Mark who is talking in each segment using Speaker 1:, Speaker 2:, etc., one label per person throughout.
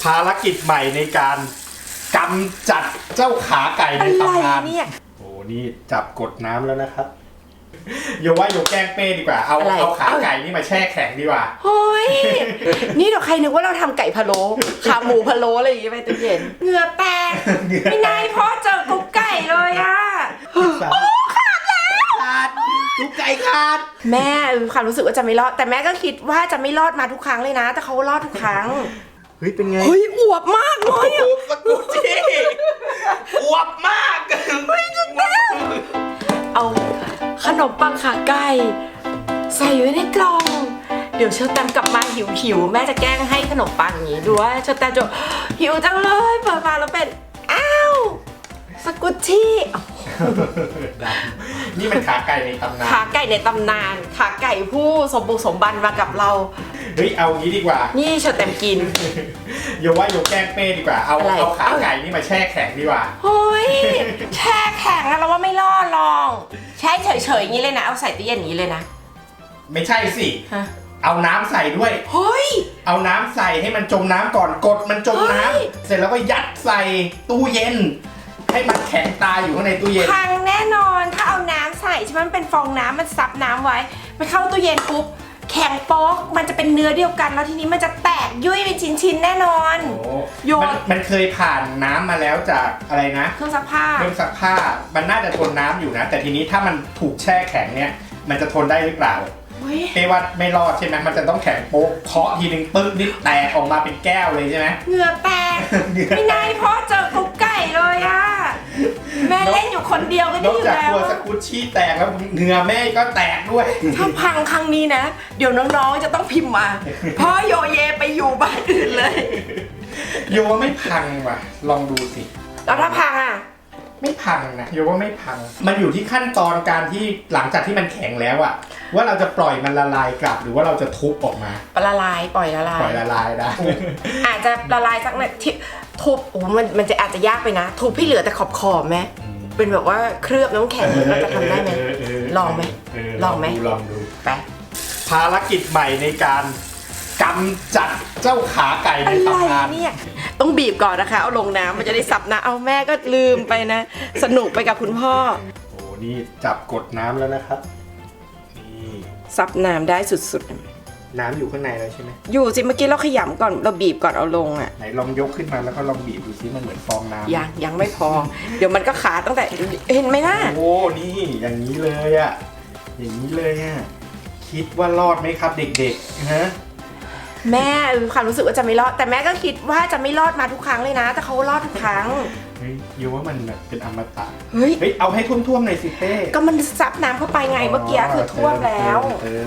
Speaker 1: ภารกิจใหม่ในการกำจัดเจ้าขาไก่ในตำนาน
Speaker 2: เนี่ย
Speaker 1: โอ้นี่จับกดน้ำแล้วนะครับโยว่าโยแกล้งเป้ดีกว่าเอาขาไก่นี่มาแช่แข็งดีกว่า
Speaker 2: เฮ้ยนี่เดี๋ยวใครนึกว่าเราทำไก่พะโล้ขาหมูพะโล้อะไรอย่างเงี้ยไปตู้เย็นเหงื่อแตกไม่นายพ่อเจอกุ๊กไก่เลยอ่ะโอ้ขาดแล้ว
Speaker 1: ขาดกุ๊กไก่ขาด
Speaker 2: แม่ความรู้สึกว่าจะไม่รอดแต่แม่ก็คิดว่าจะไม่รอดมาทุกครั้งเลยนะแต่เขารอดทุกครั้ง
Speaker 1: เฮ้ยเป็นไง
Speaker 2: เฮ้ยอวบมากเลยอ่ะ
Speaker 1: สกุชี่อวบมาก
Speaker 2: เฮ้ยจุดแม่เอาขนมปังขาไก่ใส่ไว้ในกล่องเดี๋ยวเชอร์แตมกลับมาหิวแม่จะแกล้งให้ขนมปังอย่างนี้ดูว่าเชอร์แตมจะหิวจังเลยเปิดมาแล้วเป็นอ้าวสกุชชี่
Speaker 1: นี่มันขาไก่ในตำนาน
Speaker 2: ขาไก่ในตำนานขาไก่ผู้สมบุกสมบันมากับเรา
Speaker 1: เฮ้ยเอางี้ดีกว่า
Speaker 2: นี่เชอร์แตมกิน
Speaker 1: โยว่าโยแกล้งเป้ดีกว่าเอาขาไก่นี่มาแช่แข็งดีกว่า
Speaker 2: เฮ้ยแช่แข็งอะเราว่าไม่รอดลองแช่เฉยๆอย่างนี้เลยนะเอาใส่ตู้เย็นอย่างนี้เลยนะ
Speaker 1: ไม่ใช่สิเอาน้ำใส่ด้วย
Speaker 2: เฮ้ย
Speaker 1: เอาน้ำใส่ให้มันจมน้ำก่อนกดมันจมน้ำเสร็จแล้วก็ยัดใส่ตู้เย็นให้มันแข็งตายอยู่ข้างในตู้เย็น
Speaker 2: พังแน่นอนถ้าเอาน้ำใส่ใช่ไหมมันเป็นฟองน้ำมันซับน้ำไว้มันเข้าตู้เย็นปุ๊บแข็งโป๊กมันจะเป็นเนื้อเดียวกันแล้วทีนี้มันจะแตกยุ่ยเป็นชิ้นๆแน่นอน
Speaker 1: โยมันเคยผ่านน้ำมาแล้วจากอะไรนะ
Speaker 2: เครื่องซักผ้า
Speaker 1: มันน่าจะทนน้ำอยู่นะแต่ทีนี้ถ้ามันถูกแช่แข็งเนี่ยมันจะทนได้หรือเปล่าเป้ว่าไม่รอดใช่ไหมมันจะต้องแข็งโป๊กเคาะทีนึงปึ๊กนี่แตกออกมาเป็นแก้วเลยใช่ไหม
Speaker 2: เหงื่อแตกไม่นายพ่อเจอกุ๊กไก่เลยอ่ะแม่เล่นอยู่คนเดียวก็ได้อยู่แล้ว
Speaker 1: นอกจากตัวสกุชชี่แตกแล้วเหงื่อแม่ก็แตกด้วย
Speaker 2: ถ้าพังครั้งนี้นะเดี๋ยวน้องๆจะต้องพิมพ์มาพ่อโยเยไปอยู่บ้านอื่นเลย
Speaker 1: โยว่าไม่พังว่ะลองดูสิ
Speaker 2: แล้วถ้าพังอ่ะ
Speaker 1: ไม่พังนะโยว่าไม่พังมันอยู่ที่ขั้นตอนการที่หลังจากที่มันแข็งแล้วอะว่าเราจะปล่อยมันละลายกลับหรือว่าเราจะทุบออกมา
Speaker 2: ละลายปล่อยละล
Speaker 1: ายได้
Speaker 2: อาจจะละลายสักหน่อยที่ทุบโอ้มันจะอาจจะยากไปนะทุบให้เหลือแต่ขอบไหมเป็นแบบว่าเคลือบน้ำแข็งเราจะทำได้ไหมลองไหมลอง
Speaker 1: ดู
Speaker 2: ไป
Speaker 1: ภารกิจใหม่ในการกำจัดเจ้าขาไก่ในตำนาน
Speaker 2: เนี่ยต้องบีบก่อนนะคะเอาลงน้ำมันจะได้สับนะเอาแม่ก็ลืมไปนะสนุกไปกับคุณพ่อ
Speaker 1: โอ้นี่จับกดน้ำแล้วนะครับนี่
Speaker 2: ซับน้ำได้สุดๆ
Speaker 1: น้ำอยู่ข้างในแล้วใช่ไหม
Speaker 2: อยู่สิเมื่อกี้เราขยำก่อนเราบีบก่อนเอาลงอ่ะ
Speaker 1: ไหนลองยกขึ้นมาแล้วก็ลองบีบดูซิมันเหมือนฟองน้
Speaker 2: ำยังไม่พอเดี๋ยวมันก็ขาดตั้งแต่เห็นไหมล่ะ
Speaker 1: โอ้นี่อย่างนี้เลยอ่ะอย่างนี้เลยอ่ะคิดว่ารอดไหมครับเด็กๆฮะ
Speaker 2: แม่ความรู้สึกว่าจะไม่รอดแต่แม่ก็คิดว่าจะไม่รอดมาทุกครั้งเลยนะแต่เขารอดทุกครั้ง
Speaker 1: เฮ้ยยูว่ามันแบบเป็นอมตะเฮ้ยเอาให้ท่วมๆหน่อยสิเป้
Speaker 2: ก็มันซับน้ำเข้าไปไงเมื่อกี้คือท่วมแล้ว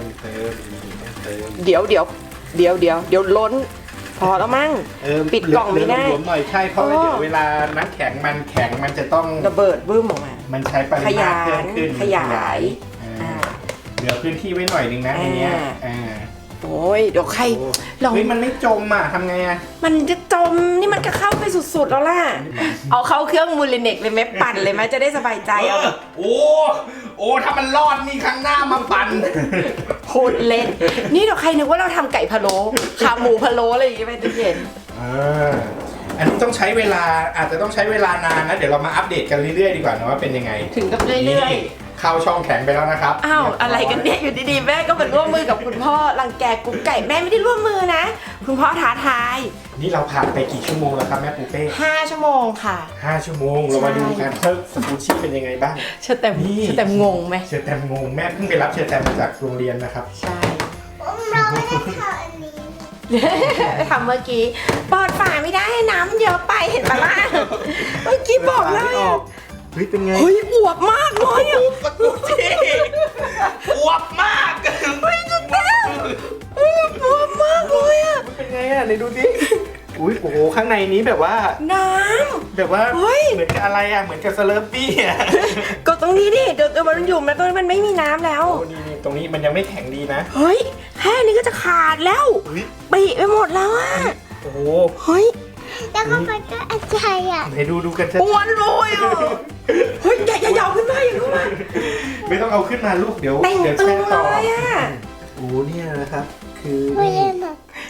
Speaker 2: เดี๋ยวล้นพอแล้วมั้งปิดกล่องไม่ได้
Speaker 1: หน่อยใช่เพราะว่าเดี๋ยวเวลาน้ำแข็งมันจะต้อง
Speaker 2: ระเบิดบึ้มออกมา
Speaker 1: มันใช้ปริมาณเพิ่มขึ้น
Speaker 2: ขยาย
Speaker 1: เหลือพื้นที่ไว้หน่อยนึงนะในนี้
Speaker 2: โอ้ยเดี๋ยวใคร
Speaker 1: เฮ้ยมันไม่จมอ่ะทำไงอ่ะ
Speaker 2: มันจะจมนี่มันก็เข้าไปสุดๆแล้วล่ะเอาเข้าเครื่องมูลเน็กเลยไหมปั่นเลยไหมจะได้สบายใจเอา
Speaker 1: โอ้ถ้ามันรอดนี่ครั้งหน้ามาปั่น
Speaker 2: พูดเล่นนี่เดี๋ยวใครนึกว่าเราทำไก่พะโล้ขาหมูพะโล้อะไรอย่างเงี้ยไปตู้เย็น
Speaker 1: อันนี้ต้องใช้เวลาอาจจะต้องใช้เวลานานนะเดี๋ยวเรามาอัปเดตกันเรื่อยๆดีกว่านะว่าเป็นยังไง
Speaker 2: ถึงกับเรื่อย
Speaker 1: เข้าช่องแข็งไปแล้วนะครับ
Speaker 2: อ้าวอะไรกันเนี่ยอยู่ดีๆแม่ก็มาร่วมมือกับคุณพ่อรังแกกุ๊กไก่แม่ไม่ได้ร่วมมือนะคุณพ่อท้าทาย
Speaker 1: นี่เราผ่านไปกี่ชั่วโมงแล้วครับแม่ปูเป้
Speaker 2: 5 ชั่วโมงค่ะ
Speaker 1: 5 ชั่วโมงเรามาดูกันว่าสกูชี่เป็นยังไงบ้าง
Speaker 2: เชอร์แตมงงไหม
Speaker 1: เชอร์แตมงงแม่เพิ่งไปรับเชอร์แตมมาจากโรงเรียนนะครับ
Speaker 2: ใช่เราไม่ได้ทำอันนี้ทำเมื่อกี้เปิดฝาไม่ได้น้ำเยอะไปเห็นปะล่ะเมื่อกี้บอกแล้ว
Speaker 1: เฮ้ยเป็นไง
Speaker 2: เฮ้ยอวบมากเลยอ่ะ
Speaker 1: สกูชี่อวบมาก
Speaker 2: เฮ้ยจะแต้วอวบมากเลยอ่ะ
Speaker 1: เป็นไงอ่ะไหนดูดิอุ้ยโอ้โหข้างในนี้แบบว่า
Speaker 2: น้ำ
Speaker 1: แบบว่าเหมือนกับอะไรอ่ะเหมือนกับสเลอร์ปี้อ่ะ
Speaker 2: ก็ตรงนี้ดิเดี๋ยวมันอยู่แล้วตรงนี้มันไม่มีน้ำแล้ว
Speaker 1: โอ้นี่ตรงนี้มันยังไม่แข็งดีนะ
Speaker 2: เฮ้ยแค่นี้ก็จะขาดแล้วปีไปหมดแล้วอ่ะ
Speaker 1: โอ้โห
Speaker 2: เฮ้ย
Speaker 3: แล้วก็มันก็อาใจอ่ะ
Speaker 1: ไหนดูกัน
Speaker 2: อ้วนเลยเฮ้ยอย่ายาวขึ้นมาอย่าขึ้นมา
Speaker 1: ไม่ต้องเอาขึ้นมาลูกเดี๋ยวแช่ต่อโอ้เนี่ยนะครับคือ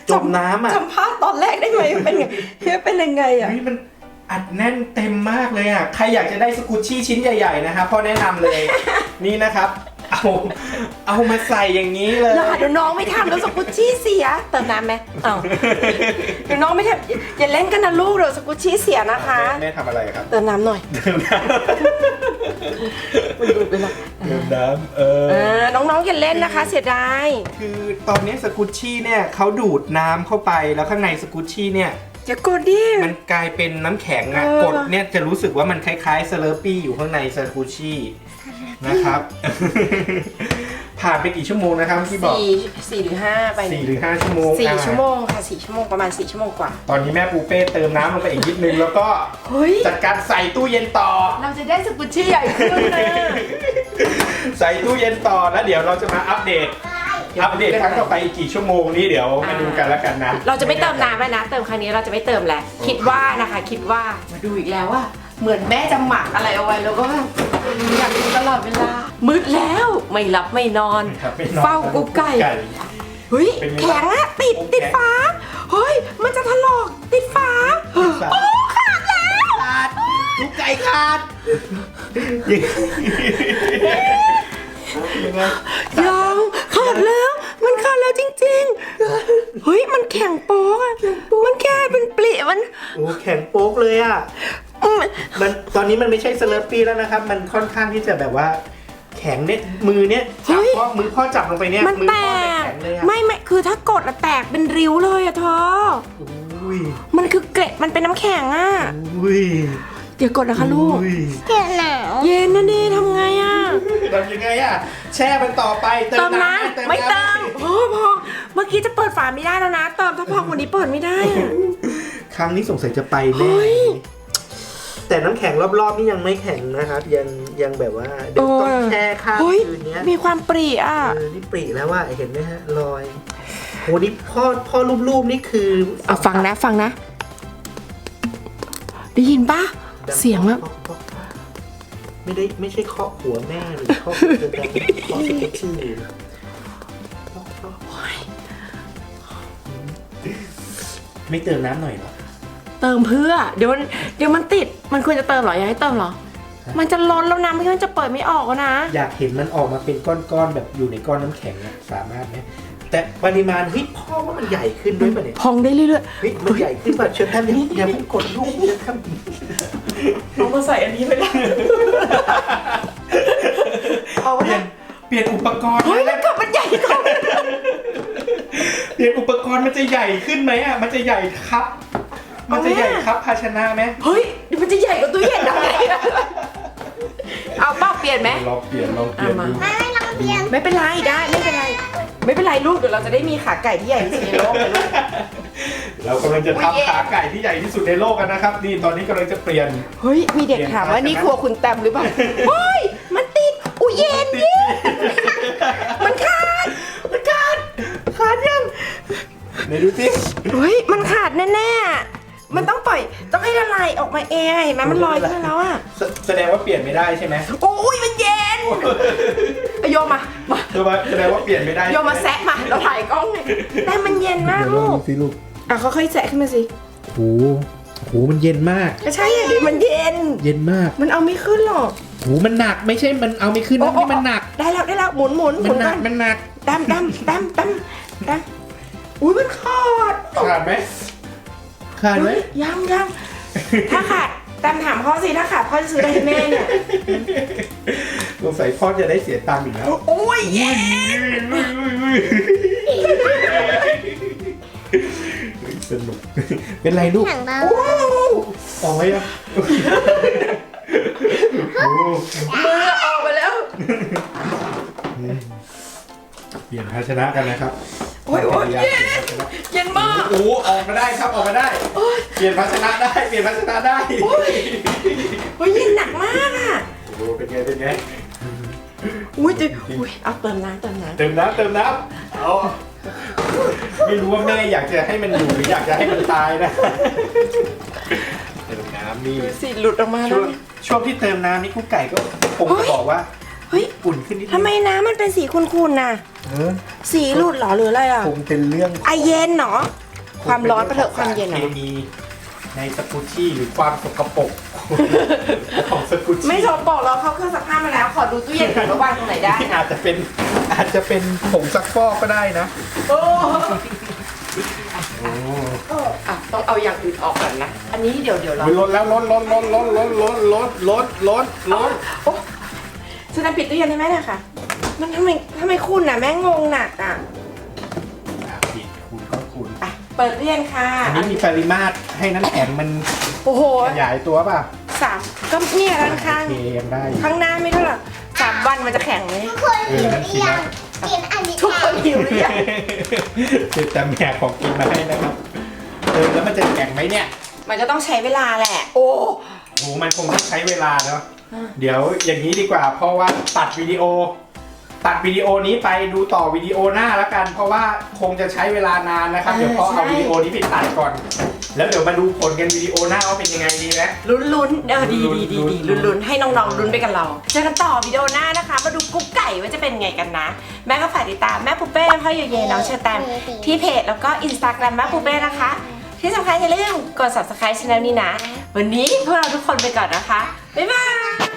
Speaker 1: จมน้ำอ่ะ
Speaker 2: จำภาพตอนแรกได้ไหมเป็นไงเป็นยังไงอ่ะ
Speaker 1: เฮ้ยมันอัดแน่นเต็มมากเลยอ่ะใครอยากจะได้สกูชี่ชิ้นใหญ่ๆนะครับพ่อแนะนำเลย นี่นะครับเอามาใส่อย่างนี้เลย
Speaker 2: อย่าเดี๋ยวน้องไม่ทำแล้วสกุชชี่เสียเติมน้ำไหมอ้าวเดี๋ยวน้องไม่ทำอย่าเล่นกันนะลูกเดี๋ยวสกุชชี่เสียนะคะ
Speaker 1: แม่ทำอะไรครับ
Speaker 2: เติมน้ำหน่อย
Speaker 1: เติมน้
Speaker 2: มันดูดไปแล้ว
Speaker 1: ำเติมน้ำ
Speaker 2: น้องๆอย่าเล่นนะคะเสียดาย
Speaker 1: คือตอนนี้สกูชี่เนี่ยเขาดูดน้ำเข้าไปแล้วข้างในสกูชี่เนี่ย
Speaker 2: อย่ากดดิ
Speaker 1: มันกลายเป็นน้ำแข็งอะกดเนี่ยจะรู้สึกว่ามันคล้ายๆสเลอร์ปี้อยู่ข้างในสกูชี่นะครับ ผ่านไปกี่ชั่วโมงนะครับที่บอก
Speaker 2: 4 หรือ 5ไป
Speaker 1: 4 หรือ 5 ชั่วโมง
Speaker 2: 4 ชั่วโมงค่ะ4 ชั่วโมงประมาณ4 ชั่วโมงกว่า
Speaker 1: ตอนนี้แม่ปูเป้เติมน้ำลงไปอีกนิดนึงแล้วก็
Speaker 2: เฮ้ย
Speaker 1: จัดการใส่ตู้เย็นต่อ
Speaker 2: เราจะได้สกุชชี่ใหญ่ขึ้นนะ
Speaker 1: ใส่ตู้เย็นต่อแล้วเดี๋ยวเราจะมาอัปเดตครั้งต่อไปอีกกี่ชั่วโมงนี้เดี๋ยวมาดูกันแล้วกันนะ
Speaker 2: เราจะไม่เติมน้ำแล้วนะเติมครั้งนี้เราจะไม่เติมแล้วคิดว่านะคะคิดว่ามาดูอีกแล้วว่าเหมือนแม่จะหมักอะไรเอาไว้แล้วก็แบบอยากดูตลอดเวลามืดแล้วไม่หลับไม่นอน
Speaker 1: ครับไม่นอน
Speaker 2: เฝ้ากุ๊กไก่เฮ้ย
Speaker 1: เป็นไง
Speaker 2: แข็งอะติด
Speaker 1: โอ้
Speaker 2: ติด
Speaker 1: แข็ง
Speaker 2: ฝาเฮ้ยมันจะถลอกติดฝาโอ้ขาดแล้ว
Speaker 1: ขาดลูกไก่ขาดยังไง
Speaker 2: ยังขาดแล้วมันขาดแล้วจริงๆเฮ้ยมันแข็งโป๊กอะมันแค่เป็นปลิมัน
Speaker 1: โอ้แข็งโป๊กเลยอ่ะมันตอนนี้มันไม่ใช่สเลอร์ปี้แล้วนะครับ มันค่อนข้างที่จะแบบว่า แข็งเนี่ยมือเนี่ยจับมือพ่อจับลงไปเนี่ย
Speaker 2: มัน
Speaker 1: มือ
Speaker 2: แต
Speaker 1: พ่อเนี่ย
Speaker 2: ก
Speaker 1: แข็งเลยอ่ะ
Speaker 2: ไม่คือถ้ากดอะแตกเป็นริ้วเลยอะเธอ
Speaker 1: อุ้ย
Speaker 2: มันคือเกล็ดมันเป็นน้ำแข็งอะ
Speaker 1: อุ้ย
Speaker 2: เดี๋ยวกดนะคะลูก
Speaker 1: อุ้ย
Speaker 3: เจ็บหนาว
Speaker 2: เย็นนะดิทำไงอะ
Speaker 1: ทำยังไงอ่ะแช่มันต่อไป
Speaker 2: เติมน้ำไม่เติมพอเมื่อกี้จะเปิดฝาไม่ได้แล้วนะเติมถ้าพอวันนี้เปิดไม่ได้อะ
Speaker 1: ครั้งนี้สงสัยจะไป
Speaker 2: เฮ้
Speaker 1: แน่
Speaker 2: ย
Speaker 1: แต่น้ำแข็งรอบๆนี่ยังไม่แข็งนะครับยังแบบว่าเดี๋ยวต้องแช่ข้าม
Speaker 2: เฮ้ย
Speaker 1: คืนเนี้ย
Speaker 2: มีความปรีอะ
Speaker 1: นี่ปรีแล้วว่าเห็นไหมฮะรอยโหนี่พ่อรูปนี่คือ
Speaker 2: เอาฟังนะได้ยินปะเสียงแบบ
Speaker 1: ไม่ใช่เคาะหัวแม่หรือเคาะหัวตัวเองเคาะสกุชชี่ไม่เติมน้ำหน่อยเหรอ
Speaker 2: เติมเพื่อเดี๋ยวมันติดมันควรจะเติมเหรออยากให้เติมเหรอ มันจะล้นแล้วนะไม่งั้นมันจะเปิดไม่ออกแล้วนะ
Speaker 1: อยากเห็นมันออกมาเป็นก้อนๆแบบอยู่ในก้อนน้ำแข็งอะสามารถไหมแต่ปริมาณเฮ้ยพ่อว่ามันใหญ่ขึ้นด้วยป่ะเนี่ย
Speaker 2: พองได้เรื่อย
Speaker 1: เฮ้ยมันใหญ่ขึ้นป่ะเชิญท่านอย่าเพิ่งกดลูกเชิญท่าน
Speaker 2: ๆเอามาใส่อันนี้ไปแล้วเอา
Speaker 1: เปลี่ยนอุปกรณ์
Speaker 2: เฮ้ยแล้วกับมันใหญ่กว่า
Speaker 1: เปลี่ยนอุปกรณ์มันจะใหญ่ขึ้นไหมอ่ะมันจะใหญ่ครับ มันจะใหญ่ครับภาชนะไหม
Speaker 2: เฮ้ยเดี๋ยวมันจะใหญ่กว่าตู้เย็นได้เอาเป้าเปลี่ยนไหม
Speaker 1: ลองเปลี่ยนดู
Speaker 3: ไม่ลองเปลี่ยน
Speaker 2: ไม่เป็นไรได้ไม่เป็นไรลูกเดี๋ยวเราจะได้มีขาไก่ที่ใหญ่ที่สุดในโลกเลยลูก
Speaker 1: เรากำลังจะทำขาไก่ที่ใหญ่ที่สุดในโลกกันนะครับนี่ตอนนี้กำลังจะเปลี่ยน
Speaker 2: เฮ้ยมีเด็กถามว่านี่ครัวคุณแตมหรือเปล่าเฮ้ยมันติดอุ้ยเย็นมันขาดยัง
Speaker 1: ไหนดูสิ
Speaker 2: เฮ้ยมันขาดแน่ๆมันต้องปล่อยต้องให้ละลายออกมาเองเห็นไหมมันลอยขึ้นมาแล้วอ่ะ
Speaker 1: แสดงว่าเปลี่ยนไม่ได้ใช่ไหม
Speaker 2: โอ้ยมันเย็นโยมมา
Speaker 1: แสดงว่าเปลี่ยนไม่ได้
Speaker 2: โยมมาแซะมาเราถ่ายกล้องเลยแต่มันเย็นมากลูก
Speaker 1: สิลูก
Speaker 2: อ่ะเขาค่อยๆแซะขึ้นมาสิ
Speaker 1: โหมันเย็นมาก
Speaker 2: ก็ใช่อ่ะดิมันเย็น
Speaker 1: เย็นมาก
Speaker 2: มันเอาไม่ขึ้นหรอก
Speaker 1: โหมันหนักไม่ใช่มันเอาไม่ขึ้นนะนี่มันหนัก
Speaker 2: ได้แล้วหมุน
Speaker 1: มันหนักมันหนัก
Speaker 2: ดำอุ้ยมันขาด
Speaker 1: ขาดไหมขาดไหม
Speaker 2: เฮ้ยยังถ้าขาดดำถามพ่อสิถ้าขาดพ่อจะซื้ออะไรให้แม่เนี่ย
Speaker 1: สงสัยพ่อจะได้เสียตังค์อีกแล้ว
Speaker 2: โอ้ยเย็น
Speaker 1: สนุกเป็นไรลูก
Speaker 3: หนังเบา
Speaker 1: ออกไหมอ่ะ
Speaker 2: มือออกไปแล้ว
Speaker 1: เปลี่ยนภาชนะกันนะครับ
Speaker 2: โอ้ยเย็นมาก
Speaker 1: โอ้ออกมาได้ครับออกมาได้เปลี่ยนภาชนะได้เปลี่ยนภาชนะได้
Speaker 2: โอ้ยเย็นหนักมากอ่ะ
Speaker 1: โอ้เป็นไง
Speaker 2: อุ้ยเอาเติมน้ำ
Speaker 1: เติมน้ำเอาไม่รู้ว่าแม่อยากจะให้มันอยู่หรืออยากจะให้มันตายนะเติมน้ำนี่
Speaker 2: ดูสิหลุดออกมาแล้ว
Speaker 1: ช่วงที่เติมน้ำนี่กุ๊กไก่ก็คงจะบอกว่า
Speaker 2: เฮ้ย
Speaker 1: อุ่นขึ้นนิดนึง
Speaker 2: ทำไมน้ำมันเป็นสีขุ่นๆน่ะ สีหลุดเหรอหรืออะไรอ่ะ
Speaker 1: คงเป็นเรื่อง
Speaker 2: ไอเย็นเหรอความร้อนไปเถอะความเย็น
Speaker 1: เค
Speaker 2: อะ
Speaker 1: มีในสกูชี่หรือความสกปรกของสกูชี่
Speaker 2: ไม่สกปรกเราเข้าเครื่องซักผ้ามาแล้ว ขอดูตู้เย็นก่อนว่าวางตรงไหนได้นะ
Speaker 1: อาจจะเป็นผงซักฟอกก็ได้นะ
Speaker 2: โอ้
Speaker 1: โอ้
Speaker 2: อ่ะต้องเอาอย่างอื่นออกก่อนนะ อันนี้เดี๋ยวเรา
Speaker 1: ลดแล้วลด
Speaker 2: โอ้ฉันจะปิดตู้เย็นให้แม่หน่อยค่ะ มันทำไมคุณน่ะแม่งงหนักอ่ะ
Speaker 1: ผิดคุณก็คุณ
Speaker 2: อ่ะเปิดตู้เย็นค่ะ
Speaker 1: อันนี้มีปริมาตรให้น้ำแข็งมัน
Speaker 2: โอ้โห
Speaker 1: ขยายตัวป่ะ
Speaker 2: 3 ก็เนี่ยด้านข้าง
Speaker 1: โอเคยังได้อยู่
Speaker 2: ข้างหน้าไม่เท่าไหร่3 วันมันจะแข็งไหม
Speaker 3: ทุกคนหิวหรือยังกินอันนี้
Speaker 2: ทุกคนหิวหรือยัง
Speaker 1: แต่แม่ของกินมาให้นะครับแล้วมันจะแข็งไหมเนี่ย
Speaker 2: มันก็ต้องใช้เวลาแหละ โอ้
Speaker 1: โหมันคงต้องใช้เวลาเนาะเดี๋ยวอย่างนี้ดีกว่า เพราะว่าตัดวิดีโอนี้ไปดูต่อวิดีโอหน้าแล้วกัน เพราะว่าคงจะใช้เวลานานนะครับ เดี๋ยวพอเอาวิดีโอนี้ไปตัดก่อน แล้วเดี๋ยวมาดูผลกันวิดีโอหน้าว่าเป็นยังไงดีไหม
Speaker 2: ลุ้นดีลุ้นให้น้องๆลุ้นไปกับเรา เจอกันต่อวิดีโอหน้านะคะ มาดูกุ๊กไก่ว่าจะเป็นไงกันนะ แม่ก็ฝากติดตามแม่ปูเป้พ่อเยเยน้องเชอแตมที่เพจแล้วก็อินสตาแกรมแม่ปูเป้นะคะ ที่สำคัญอย่าลืมกด subscribe ช่องนี้นะ วันนี้พวกเราทุกคนไปก่อนนะคะ บ๊ายบาย